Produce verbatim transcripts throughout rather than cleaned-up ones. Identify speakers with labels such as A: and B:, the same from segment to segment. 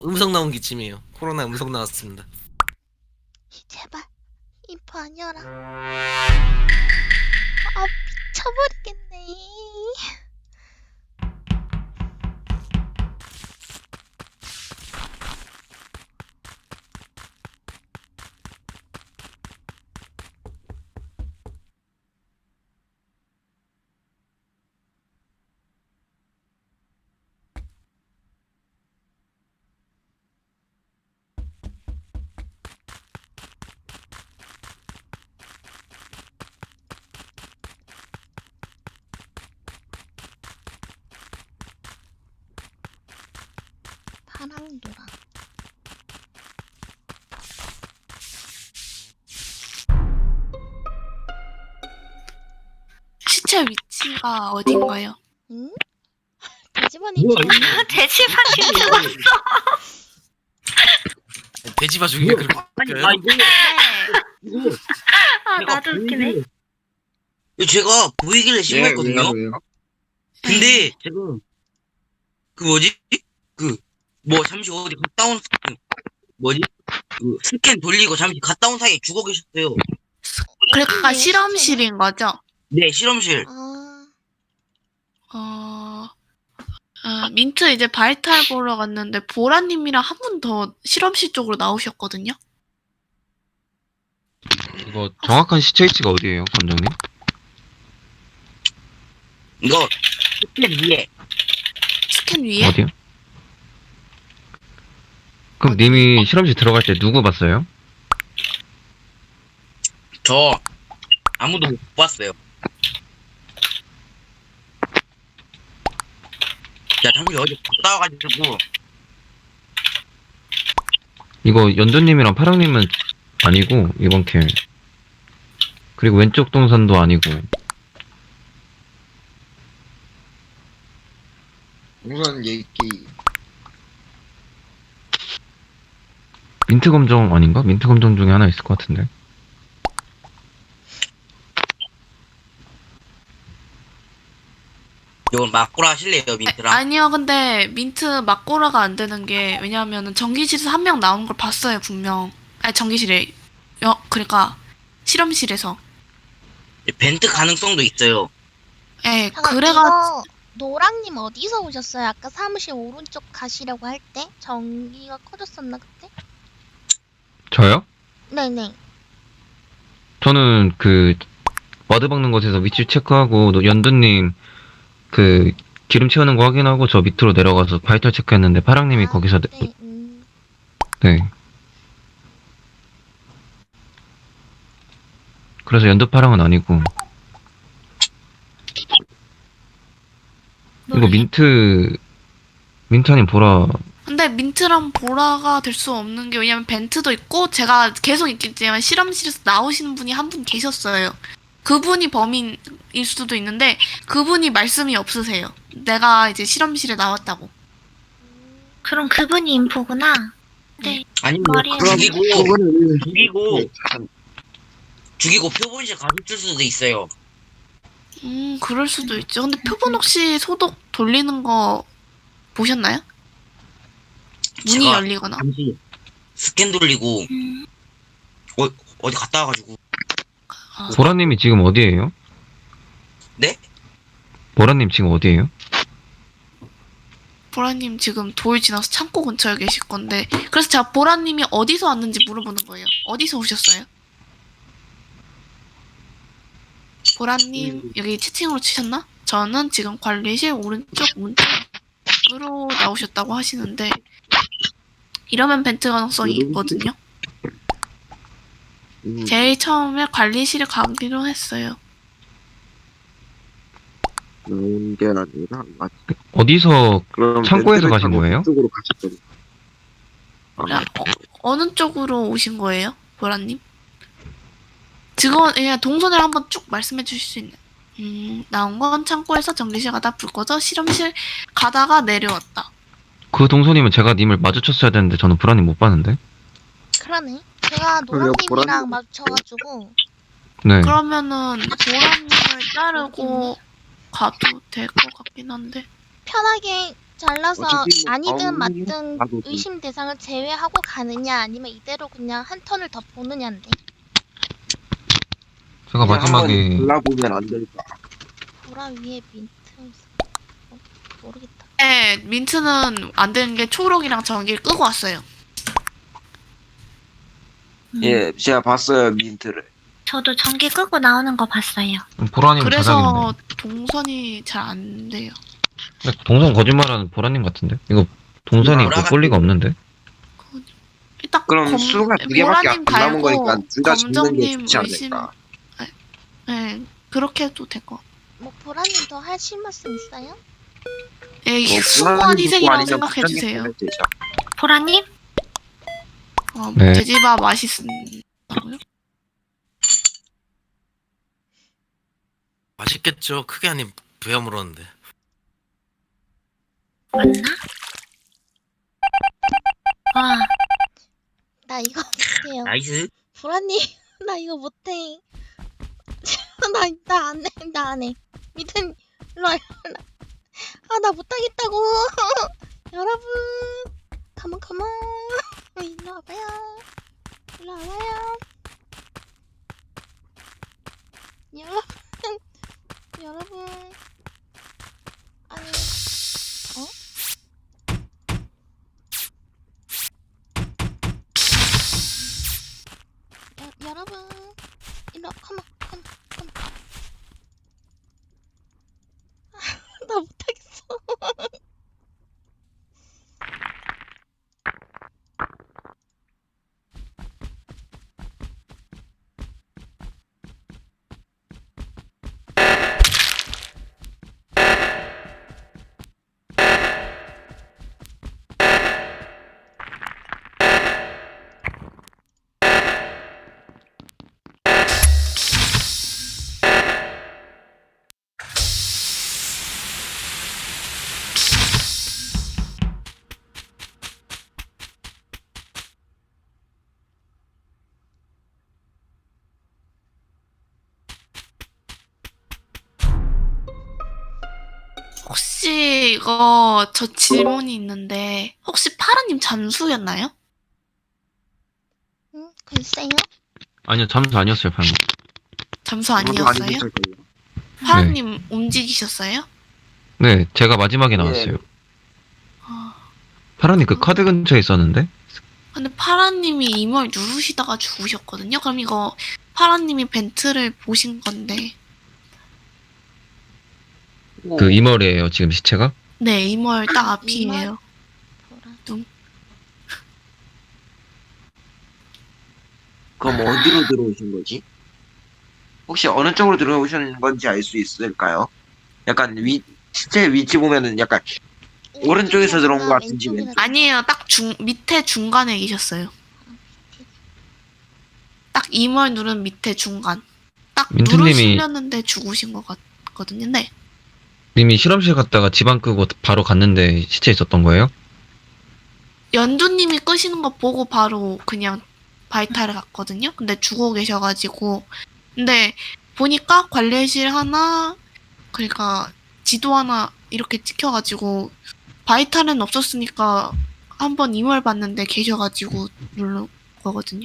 A: 음성 나온 기침이에요. 코로나 음성 나왔습니다.
B: 제발 인포 아니어라. 아 미쳐버리겠네. 파랑 노랑.
C: 시체 위치가 어딘가요?
B: 응? 돼지번이
D: 뭐야,
B: 죽었네.
D: 이거?
C: 돼지반이 죽었어.
A: 돼지 봐주기가 그렇게
D: 아니,
A: 웃겨요?
D: 아 이거
C: 네.
D: 이거
C: 아
D: 제가
C: 나도 웃기네.
D: 보이길래- 이거 제가 보이길래 신고했거든요. 근데 제가 그 뭐지? 그 뭐 잠시 어디 갔다 온 그 뭐지? 그 스캔 돌리고 잠시 갔다 온 사이에 죽어 계셨어요.
C: 그러니까
B: 네,
C: 실험실인 거죠?
D: 네, 실험실.
B: 아
C: 어, 어, 민트 이제 바이탈 보러 갔는데 보라님이랑 한 분 더 실험실 쪽으로 나오셨거든요.
E: 이거 정확한 시체 위치가 어디예요, 관장님?
D: 이거 스캔 위에
C: 스캔 위에?
E: 어디요? 그럼 님이 실험실 들어갈 때 누구 봤어요?
D: 저 아무도 못 봤어요. 야, 잠시 어디 갔다 와가지고
E: 이거 연두님이랑 파랑님은 아니고 이번 캠. 그리고 왼쪽 동선도 아니고.
F: 우선 얘기
E: 민트 검정 아닌가? 민트 검정 중에 하나 있을 것 같은데.
D: 이거 막고라 하실래요, 민트랑?
C: 아니요, 근데 민트 막고라가 안 되는 게 왜냐하면 전기실에서 한 명 나오는 걸 봤어요, 분명. 아니 전기실에, 여, 그러니까 실험실에서.
D: 벤트 가능성도 있어요.
C: 예,
B: 잠깐
C: 그래가
B: 이거 노랑님 어디서 오셨어요? 아까 사무실 오른쪽 가시려고 할 때 전기가 꺼졌었나 그때?
E: 저요?
B: 네네.
E: 저는 그 와드 박는 곳에서 위치 체크하고 또 연두님 그 기름 채우는 거 확인하고 저 밑으로 내려가서 바이탈 체크했는데 파랑님이
B: 아,
E: 거기서 네.
B: 네. 음.
E: 네. 그래서 연두 파랑은 아니고 이거 민트 민트 아닌 보라.
C: 근데 민트랑 보라가 될 수 없는 게 왜냐면 벤트도 있고 제가 계속 있겠지만 실험실에서 나오시는 분이 한 분 계셨어요. 그분이 범인일 수도 있는데 그분이 말씀이 없으세요. 내가 이제 실험실에 나왔다고.
G: 그럼 그분이 인포구나. 네.
D: 아니면
G: 말이야.
D: 죽이고
F: 그거는
D: 죽이고 죽이고 표본실 가실 수도 있어요.
C: 음, 그럴 수도 있죠. 근데 표본 혹시 소독 돌리는 거 보셨나요? 문이
D: 제가
C: 열리거나.
D: 잠시 스캔 돌리고
G: 음,
D: 어, 어디 갔다 와가지고
C: 아,
E: 보라님이 지금 어디에요?
D: 네?
E: 보라님 지금 어디에요?
C: 보라님 지금 돌 지나서 창고 근처에 계실 건데 그래서 제가 보라님이 어디서 왔는지 물어보는 거예요. 어디서 오셨어요? 보라님 여기 채팅으로 치셨나? 저는 지금 관리실 오른쪽 문쪽으로 나오셨다고 하시는데 이러면 벤트 가능성이 있거든요.
F: 음,
C: 제일 처음에 관리실에 가기로 했어요.
F: 나온 게 아니라 아,
E: 어디서
F: 그럼
E: 창고에서
F: 벤트를
E: 가신
F: 타고
E: 거예요?
F: 그쪽으로 가셨거든요. 아,
C: 야, 어, 어느 쪽으로 오신 거예요, 보라님? 직원, 그냥 동선을 한번 쭉 말씀해 주실 수 있나요? 음, 나온 건 창고에서 전기실 가다 불 꺼져 실험실 가다가 내려왔다.
E: 그 동선이면 제가 님을 마주쳤어야 되는데 저는 보라님 못 봤는데.
B: 그러네. 제가
F: 그래요,
B: 노랑님이랑
F: 보라님.
B: 마주쳐가지고
E: 네.
C: 그러면은 보라님을 자르고 가도 될 것 같긴 한데.
B: 편하게 잘라서
F: 어차피 뭐
B: 아니든
F: 다음
B: 맞든
F: 봐도
B: 의심 대상을 제외하고 가느냐 아니면 이대로 그냥 한 턴을 더 보느냐인데.
E: 제가
F: 그냥 한번
E: 마지막에
F: 골라보면 안 될까?
B: 보라 위에 민트 어, 모르겠다.
C: 네, 민트는 안 되는 게 초록이랑 전기를 끄고 왔어요.
G: 음,
F: 예, 제가 봤어요 민트를.
G: 저도 전기 끄고 나오는 거 봤어요.
E: 보라님 자작이네.
C: 그래서 동선이 잘 안 돼요.
E: 근데 동선 거짓말하는 보라님 같은데? 이거 동선이
D: 보라
E: 그 볼 리가 없는데?
C: 일단
F: 그럼 수가 두 개밖에 안
C: 보라님
F: 남은 거니까
C: 달고
F: 둘 다 짓는 게
C: 검정님
F: 좋지
C: 의심.
F: 않을까?
C: 네, 그렇게 해도 될 것 같아요.
B: 뭐 보라님 더 하실 말씀 있어요?
C: 에이,
F: 뭐
C: 수고한
F: 분할이
C: 희생이라고
F: 아니면
C: 생각해
F: 부장님
C: 주세요.
F: 보면 되죠.
G: 보라님?
C: 어,
E: 네.
C: 돼지밥 맛있다고요?
A: 맛있겠죠. 크게 아닌 부여 물었는데.
G: 맞나? 와,
B: 나 이거 못해요.
D: 나이스.
B: 보라님 나 이거 못해. 나나 안 해. 나 안 해. 미튼 일로 와. 아나 못하겠다고. 여러분 가만 가만 일로 와봐요. 일로 와봐요. 여러분 여러분 아니 어? 여, 여러분 일로 와. 컴온 컴온 컴온. 나 못하겠어.
C: 혹시 이거 저 질문이 있는데 혹시 파라님 잠수였나요?
B: 응 글쎄요.
E: 아니요, 잠수 아니었어요, 방금.
C: 잠수
F: 아무도
C: 아니었어요?
F: 아니었을 거예요.
C: 파라님 움직이셨어요?
E: 네, 제가 마지막에 나왔어요.
C: 아,
E: 파라님 그 카드 근처에 있었는데?
C: 근데 파라님이 이걸 누르시다가 죽으셨거든요. 그럼 이거 파라님이 벤트를 보신 건데.
E: 그 이멀이에요, 지금 시체가?
C: 네, 이멀 딱
B: 이멀?
C: 앞이에요.
B: 보라.
F: 그럼 어디로 들어오신 거지? 혹시 어느 쪽으로 들어오신 건지 알 수 있을까요? 약간 위 실제 위치 보면은 약간 오른쪽에서 들어온 것 같은지 왼쪽.
C: 아니에요. 딱 중 밑에 중간에 계셨어요. 딱 이멀 누른 밑에 중간. 딱
E: 민트님이-
C: 누르시려는데 죽으신 것 같거든요. 네.
E: 님이 실험실 갔다가 집안 끄고 바로 갔는데 시체 있었던 거예요?
C: 연두님이 끄시는 거 보고 바로 그냥 바이탈을 갔거든요. 근데 죽어 계셔가지고. 근데 보니까 관리실 하나, 그러니까 지도 하나 이렇게 찍혀가지고 바이탈은 없었으니까 한번 이멀 봤는데 계셔가지고 누른 거거든요.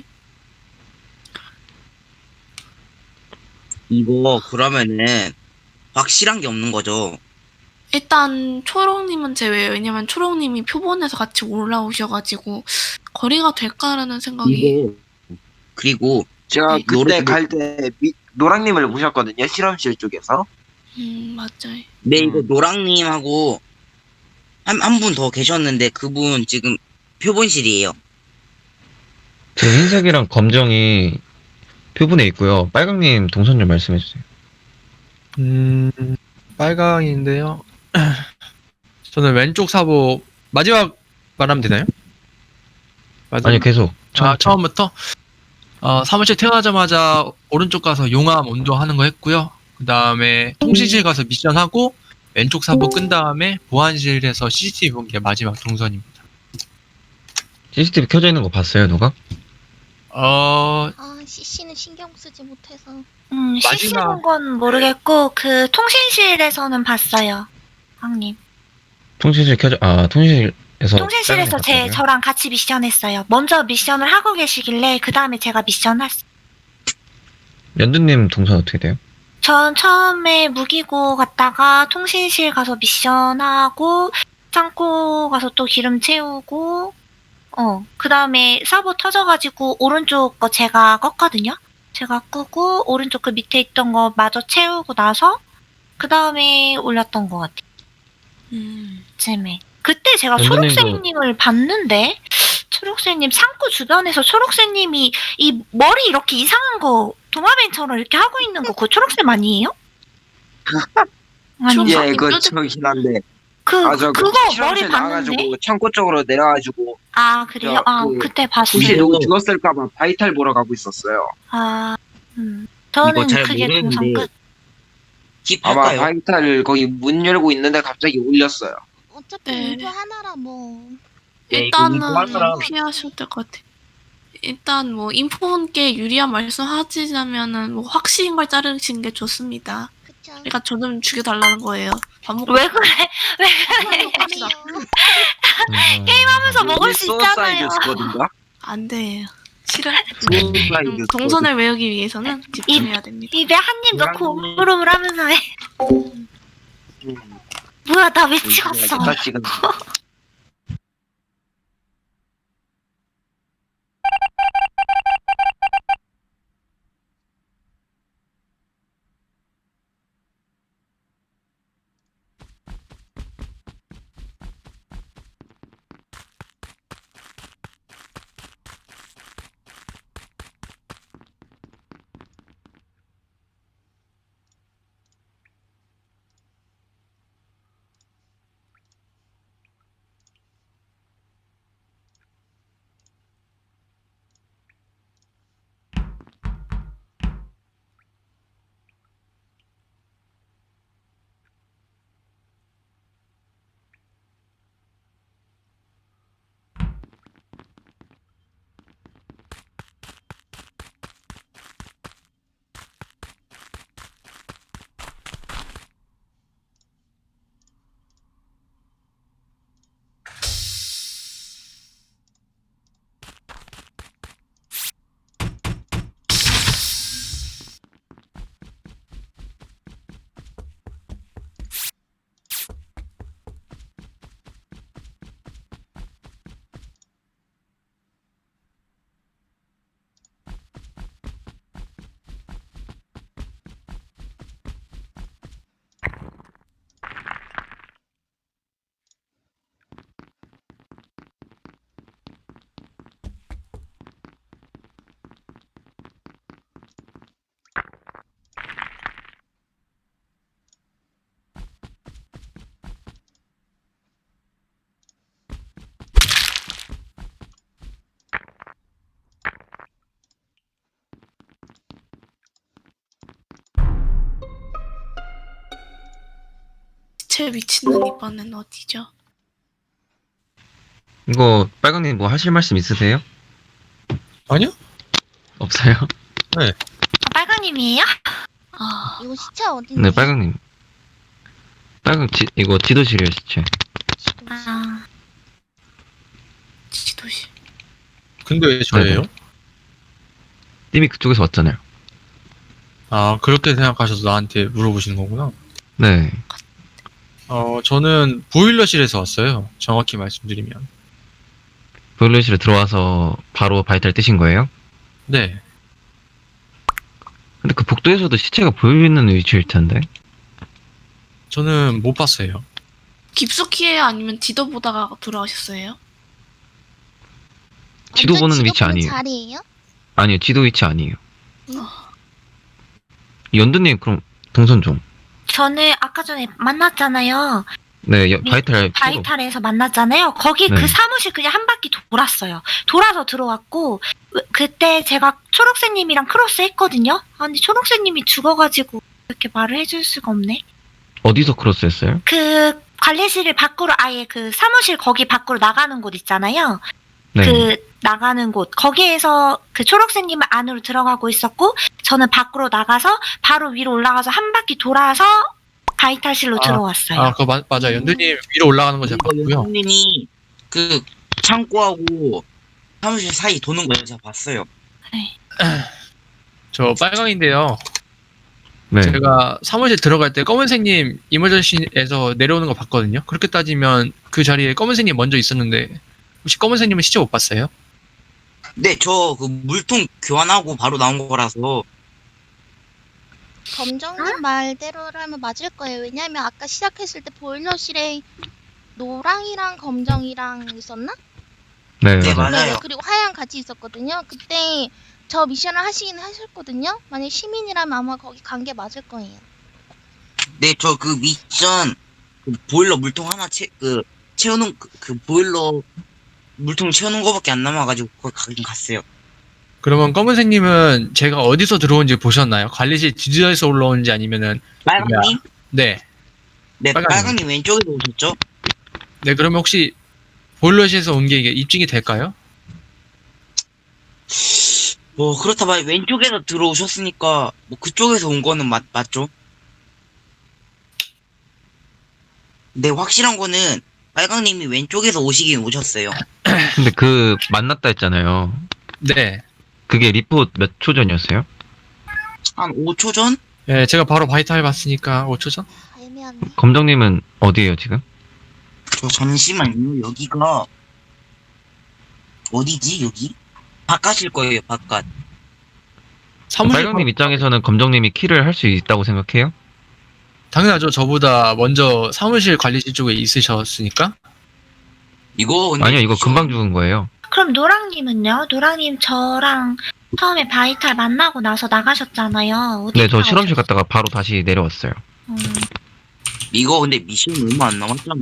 D: 이거 그러면은 확실한 게 없는 거죠.
C: 일단 초록님은 제외예요. 왜냐면 초록님이 표본에서 같이 올라오셔가지고 거리가 될까라는 생각이.
D: 이거 그리고
F: 제가
C: 네.
F: 그때
D: 노래-
F: 갈 때 노랑님을 보셨거든요. 실험실 쪽에서.
C: 음 맞아요.
D: 네,
F: 음.
D: 이거 노랑님하고 한 한 분 더 계셨는데 그분 지금 표본실이에요.
E: 제 흰색이랑 검정이 표본에 있고요. 빨강님 동선 좀 말씀해주세요.
H: 음, 빨강인데요. 저는 왼쪽 사보 마지막 말하면 되나요? 마지막.
E: 아니요, 계속.
H: 아, 처음부터 어, 사무실 태어나자마자 오른쪽 가서 용암 온도하는 거 했고요. 그 다음에 통신실 가서 미션 하고 왼쪽 사보 끈 다음에 보안실에서 씨씨티비 본 게 마지막 동선입니다.
E: 씨씨티비 켜져 있는 거 봤어요, 누가?
H: 어,
B: 아 씨씨는 신경 쓰지 못해서.
G: 음,
H: 마지막-
G: 씨씨 본 건 모르겠고, 그 통신실에서는 봤어요. 황님.
E: 통신실 켜져, 아, 통신실에서.
G: 통신실에서 제
E: 빨간색
G: 저랑 같이 미션 했어요. 먼저 미션을 하고 계시길래 그 다음에 제가 미션 했어요.
E: 연두님 동선 어떻게 돼요?
G: 전 처음에 무기고 갔다가 통신실 가서 미션하고 창고 가서 또 기름 채우고 어, 그 다음에 서버 터져가지고 오른쪽 거 제가 껐거든요. 제가 끄고 오른쪽 그 밑에 있던 거 마저 채우고 나서 그 다음에 올렸던 것 같아요.
C: 음.
G: 쯤에. 그때 제가
E: 연두님도-
G: 초록새님을 봤는데 초록새님 창고 주변에서 초록새님이 이 머리 이렇게 이상한 거 도마뱀처럼 이렇게 하고 있는 거 그거 초록쌤 아니에요? 아니
C: 초록-
F: 예, 그거
C: 뾰족-
F: 저긴 한데.
G: 그
F: 아, 저
G: 그거 머리
F: 실험실
G: 봤는데
F: 나가가지고 창고 쪽으로 내려가지고
G: 아 그래요?
F: 저,
G: 아
F: 그-
G: 그때 봤어요.
F: 혹시
A: 네.
F: 누구 죽었을까봐 바이탈 보러 가고 있었어요.
G: 아 음. 저는
D: 이거 잘
G: 그게 동선
D: 모르겠는데
G: 끝.
F: 아마
D: 킵할까요?
F: 바이탈 거기 문 열고 있는데 갑자기 울렸어요.
B: 어차피
C: 네.
B: 인포 하나라 뭐.
D: 네,
C: 일단은
D: 이거 하느라-
C: 피하셔야 될 것 같아. 일단 뭐 인포분께 유리한 말씀하시자면은 뭐 확실한 걸 자르시는 게 좋습니다.
B: 그쵸.
C: 그러니까 저는 죽여달라는 거예요. 밥 먹고
G: 왜 그래? 왜 그래?
C: 갑시다.
G: 게임하면서 먹을 수 있잖아요.
F: 스쿼드인가?
C: 안 돼요. 싫어.
F: 수사이드
C: 음, 동선을 외우기 위해서는 집중해야 됩니다.
G: 입에 한 입 넣고 오물오물하면서 해.
F: 음,
G: 뭐야 나 왜 찍었어?
F: 나 지금
C: 제 위치는 이번엔 어디죠?
E: 이거, 빨강님 뭐 하실 말씀 있으세요?
H: 아니요?
E: 없어요?
G: 아, 빨강님이에요?
C: 아,
B: 이거 시차 어딘데?
E: 네, 빨강님. 빨강, 지, 이거 지도실이에요, 시체.
B: 지도시.
G: 아
C: 지도실.
H: 근데 왜 저예요?
E: 네네. 님이 그쪽에서 왔잖아요.
H: 아, 그렇게 생각하셔서 나한테 물어보시는 거구나.
E: 네.
H: 어, 저는 보일러실에서 왔어요. 정확히 말씀드리면.
E: 보일러실에 들어와서 바로 바이탈 뜨신 거예요?
H: 네.
E: 근데 그 복도에서도 시체가 보이는 위치일 텐데.
H: 저는 못 봤어요.
C: 깊숙이에요? 아니면 지도 보다가 돌아오셨어요?
E: 지도
B: 완전
E: 보는
B: 지도
E: 위치
B: 보는
E: 아니에요.
B: 자리예요?
E: 아니요, 지도 위치 아니에요.
B: 응?
E: 연두님, 그럼 동선 좀.
G: 저는 아까 전에 만났잖아요.
E: 네, 여-
G: 미-
E: 바이탈.
G: 바이탈에서 만났잖아요. 거기
E: 네.
G: 그 사무실 그냥 한 바퀴 돌았어요. 돌아서 들어왔고 으, 그때 제가 초록새님이랑 크로스 했거든요. 아, 근데 초록새님이 죽어가지고 이렇게 말을 해줄 수가 없네.
E: 어디서 크로스 했어요?
G: 그 관리실을 밖으로 아예 그 사무실 거기 밖으로 나가는 곳 있잖아요.
E: 네.
G: 그 나가는 곳 거기에서 그 초록새님은 안으로 들어가고 있었고 저는 밖으로 나가서 바로 위로 올라가서 한 바퀴 돌아서 바이탈실로
H: 아,
G: 들어왔어요.
H: 아, 그거 마, 맞아. 연두님 위로 올라가는 거 제가
D: 이거
H: 봤고요.
D: 연두님이 그 창고하고 사무실 사이 도는 거 제가 봤어요.
H: 저 빨강인데요.
E: 네.
H: 제가 사무실 들어갈 때 검은색님 이머전시에서 내려오는 거 봤거든요. 그렇게 따지면 그 자리에 검은색님 먼저 있었는데 혹시 검은색님은 시체 못 봤어요?
D: 네, 저 그 물통 교환하고 바로 나온 거라서.
B: 검정님 말대로라면 맞을 거예요. 왜냐면 아까 시작했을 때 보일러실에 노랑이랑 검정이랑 있었나?
E: 네,
D: 네,
E: 맞아요.
D: 맞아요.
B: 네네. 그리고 하양 같이 있었거든요. 그때 저 미션을 하시긴 하셨거든요. 만약 시민이라면 아마 거기 간 게 맞을 거예요.
D: 네, 저 그 미션 그 보일러 물통 하나 채 그 채우는 그, 그 보일러 물통 채우는 거밖에 안 남아가지고 거기 가긴 갔어요.
H: 그러면 검은색님은 제가 어디서 들어온지 보셨나요? 관리실 뒤에서 올라온지 아니면은
D: 빨강님?
H: 네.
D: 네,
H: 빨강님.
D: 빨강님 왼쪽에서 오셨죠?
H: 네, 그러면 혹시 보일러실에서 온 게 이게 입증이 될까요?
D: 뭐 그렇다 봐요. 왼쪽에서 들어오셨으니까 뭐 그쪽에서 온 거는 맞, 맞죠? 네, 확실한 거는 빨강님이 왼쪽에서 오시긴 오셨어요.
E: 근데 그 만났다 했잖아요.
H: 네.
E: 그게 리포트 몇 초 전이었어요?
D: 한 오 초 전?
H: 네, 제가 바로 바이탈 봤으니까 오 초 전?
B: 아, 애매하네.
E: 검정님은 어디에요 지금?
D: 저 잠시만요. 여기가 어디지? 여기? 바깥일 거예요. 바깥.
H: 사무실
E: 빨강님 입장에서는 검정님이 킬을 할 수 있다고 생각해요?
H: 당연하죠. 저보다 먼저 사무실 관리실 쪽에 있으셨으니까.
D: 이거 근데
E: 아니요, 이거
D: 미션-
E: 금방 죽은 거예요.
G: 그럼 노랑님은요? 노랑님 저랑 처음에 바이탈 만나고 나서 나가셨잖아요. 어디
E: 네, 저
G: 갔다
E: 실험실
G: 오셨어요?
E: 갔다가 바로 다시 내려왔어요.
G: 음,
D: 이거 근데 미션 얼마 안 남았잖아요.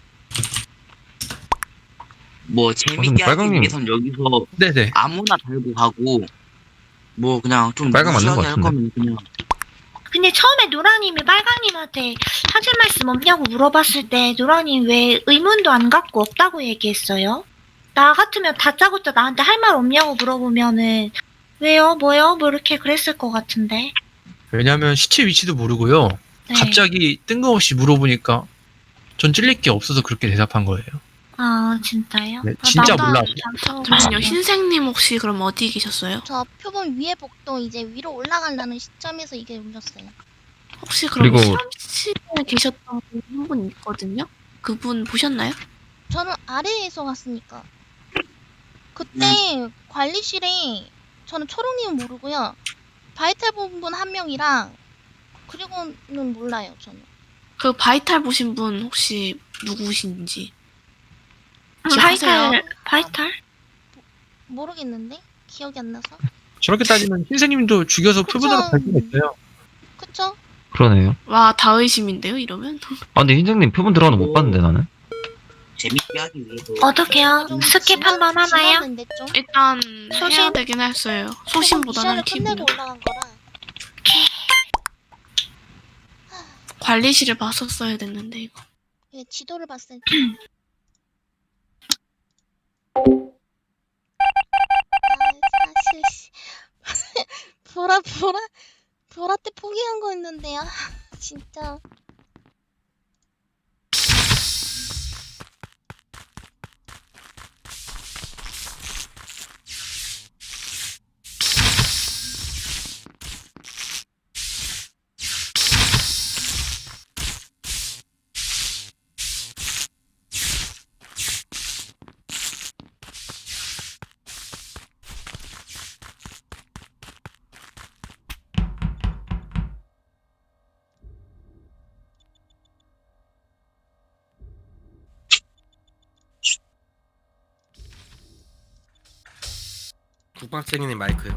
D: 뭐 재밌게 하기
E: 빨강님.
D: 위해선 여기서
H: 네네.
D: 아무나 달고 가고 뭐 그냥 좀
E: 빨강 맞는 것
D: 무시하게 할
E: 같은데.
D: 거면 그냥
G: 근데 처음에 노랑님이 빨강님한테 하실 말씀 없냐고 물어봤을 때 노랑님 왜 의문도 안 갖고 없다고 얘기했어요? 나 같으면 다짜고짜 나한테 할 말 없냐고 물어보면은 왜요? 뭐요? 뭐 이렇게 그랬을 것 같은데.
H: 왜냐면 시체 위치도 모르고요.
G: 네.
H: 갑자기 뜬금없이 물어보니까 전 찔릴 게 없어서 그렇게 대답한 거예요.
G: 아 진짜요?
H: 네, 진짜
C: 나-
H: 몰라.
C: 잠시만요. 흰색님 혹시 그럼 어디 계셨어요?
B: 저 표본 위에 복도 이제 위로 올라가려는 시점에서 이게 울렸어요.
C: 혹시 그럼
E: 그리고-
C: 실험실에 계셨던 분 한 분 있거든요? 그분 보셨나요?
B: 저는 아래에서 갔으니까. 그때 관리실에 저는 초롱님은 모르고요. 바이탈 본 분 한 명이랑 그리고는 몰라요. 저는.
C: 그 바이탈 보신 분 혹시 누구신지?
G: 음,
C: 혹시
G: 바이탈
C: 아세요?
G: 바이탈?
B: 모르겠는데 기억이 안 나서.
H: 저렇게 따지면 흰색님도 죽여서
B: 그쵸.
H: 표본으로 갈 수가 있어요.
B: 그쵸?
E: 그러네요.
C: 와, 다 의심인데요, 이러면?
E: 아, 근데 흰장님 표본 들어가는 거 못 봤는데 나는.
D: 재밌게 하기 위해서
G: 어떡해요?
B: 좀
G: 스킵
B: 지났-
G: 한번 하나요?
B: 지났는데 좀.
C: 일단
G: 소신?
C: 해야 되긴 했어요.
B: 조금
C: 소신보다는
B: 미션을
C: 팁이요.
B: 끝내고 올라간 거라.
C: 관리실을 봤었어야 됐는데 이거.
B: 예, 지도를 봤을 때. 아, 사실 씨. 보라 보라 보라 때 포기한 거였는데요. 진짜.
A: 국방쟁이님 마이크요.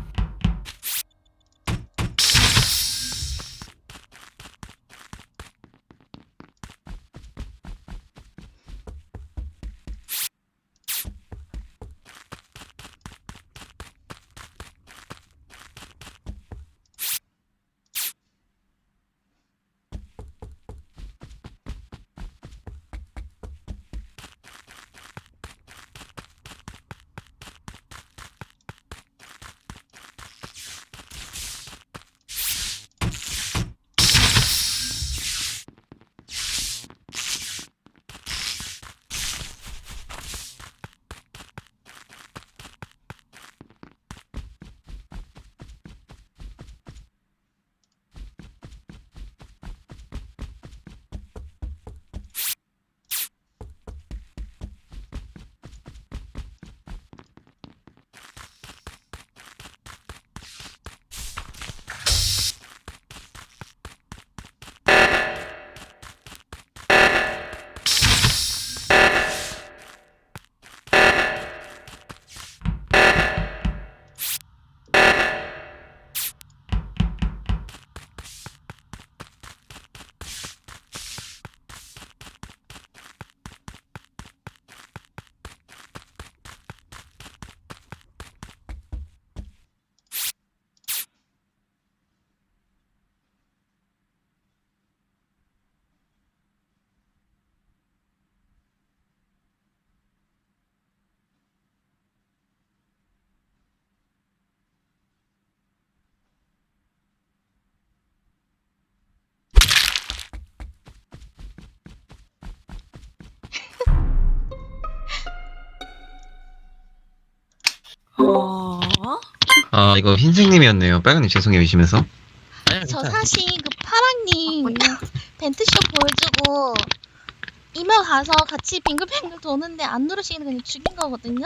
C: 어?
E: 아 이거 흰색님이었네요. 빨간님 죄송해요 의심해서.
H: 아니,
B: 저
H: 괜찮아요.
B: 사실 그 파랑님 벤트쇼 보여주고 이메일 가서 같이 빙글빙글 도는데 안 누르시는 그냥 죽인 거거든요.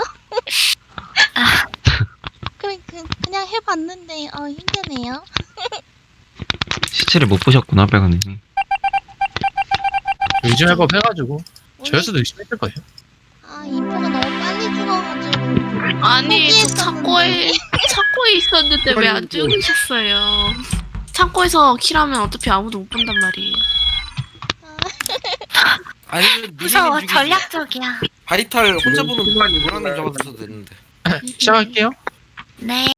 B: 그래 그 그냥 해봤는데 어 힘드네요.
E: 시체를 못 보셨구나 빨간님이.
H: 요즘 해법 해가지고
B: 오늘-
H: 저였어도 열심히 했을 거예요.
B: 아 인포가 너무 빨리 죽어가지고
C: 아니 저
B: 포기했었는데.
C: 창고에 창고에 있었는데 왜 안 죽으셨어요? 창고에서 킬하면 어차피 아무도 못 본단 말이에요.
A: 아니면
G: 무서워,
A: 미리님 죽이지.
G: 전략적이야.
A: 바이탈 혼자 보는 노랑님 잡았어도 됐는데.
H: 시작할게요.
G: 네.